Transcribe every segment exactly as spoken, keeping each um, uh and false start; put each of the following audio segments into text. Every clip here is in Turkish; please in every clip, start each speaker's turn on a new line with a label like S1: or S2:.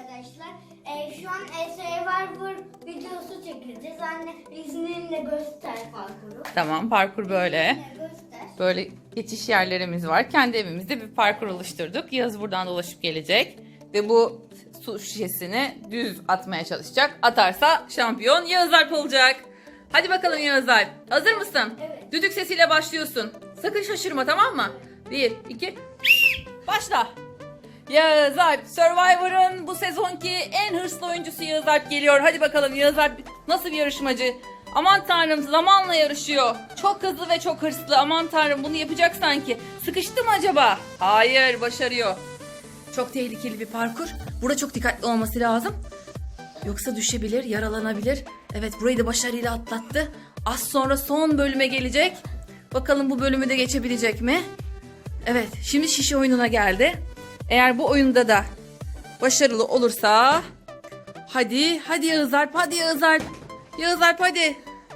S1: arkadaşlar. Ee, şu an Survivor videosu çekeceğiz. Anne izninle göster parkuru.
S2: Tamam, parkur böyle.
S1: İzninle göster.
S2: Böyle geçiş yerlerimiz var. Kendi evimizde bir parkur oluşturduk. Yağız buradan dolaşıp gelecek. Ve bu su şişesini düz atmaya çalışacak. Atarsa şampiyon Yağız Alp olacak. Hadi bakalım Yağız Alp. Hazır mısın?
S1: Evet.
S2: Düdük sesiyle başlıyorsun. Sakın şaşırma, tamam mı? Bir, iki, başla. Yağız Alp, Survivor'ın bu sezonki en hırslı oyuncusu Yağız Alp geliyor. Hadi bakalım Yağız Alp nasıl bir yarışmacı? Aman tanrım, zamanla yarışıyor. Çok hızlı ve çok hırslı. Aman tanrım, bunu yapacak sanki. Sıkıştı mı acaba? Hayır, başarıyor. Çok tehlikeli bir parkur. Burada çok dikkatli olması lazım. Yoksa düşebilir, yaralanabilir. Evet, burayı da başarıyla atlattı. Az sonra son bölüme gelecek. Bakalım bu bölümü de geçebilecek mi? Evet, şimdi şişe oyununa geldi. Eğer bu oyunda da başarılı olursa... Hadi, hadi Yağız Alp, hadi Yağız Alp. Yağız Alp hadi.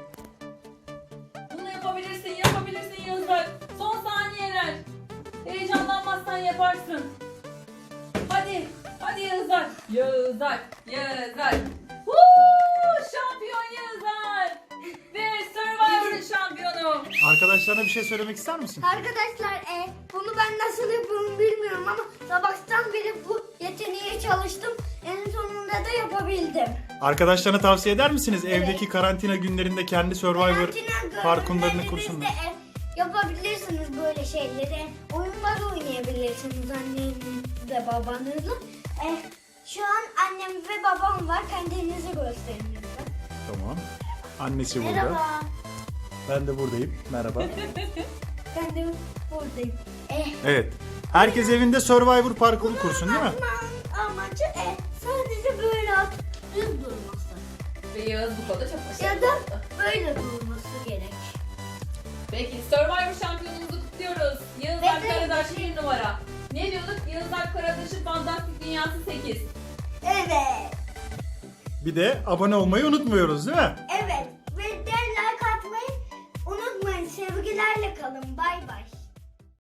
S2: Bunu yapabilirsin, yapabilirsin Yağız Alp. Son saniyeler. Heyecanlanmazsan yaparsın. Hadi, hadi Yağız Alp. Yağız Alp, Yağız Alp. Woo! Şampiyon Yağız Alp. Ve Survivor'ın şampiyonu.
S3: Arkadaşlarına bir şey söylemek ister misin?
S1: Arkadaşlar e, bunu ben nasıl yapıyorum bilmiyorum ama sabahtan beri bu yeteneğe çalıştım. En sonunda da yapabildim.
S3: Arkadaşlarına tavsiye eder misiniz? Evdeki karantina günlerinde kendi Survivor
S1: Karantina
S3: parkurlarını
S1: günlerinizde,
S3: kursunlar.
S1: e, yapabilirsiniz böyle şeyleri. Oyunlar oynayabilirsiniz annenizle babanızla. E, şu an annem ve babam var. Kendinizi gösterin lütfen.
S3: Tamam. Annesi burada.
S1: Merhaba.
S3: Ben de buradayım. Merhaba.
S1: Ben de buradayım. E,
S3: Evet. Herkes evinde Survivor parkuru kursun değil mi?
S1: Ama amacı e, sadece böyle at, düz durması.
S2: Ve Yağız bu konuda çok başarılı
S1: Ya da
S2: oldu.
S1: böyle durması gerek.
S2: Peki Survivor şampiyonumuzu kutluyoruz. Yağız
S1: Ve
S2: Alp
S1: de-
S2: Karadaş bir numara. Ne diyorduk? Yağız Alp Karadaş'ın fantastik dünyası sekiz.
S1: Evet.
S3: Bir de abone olmayı unutmuyoruz değil mi?
S1: Evet. Ve de like atmayı unutmayın. Sevgilerle kalın. Bay bay.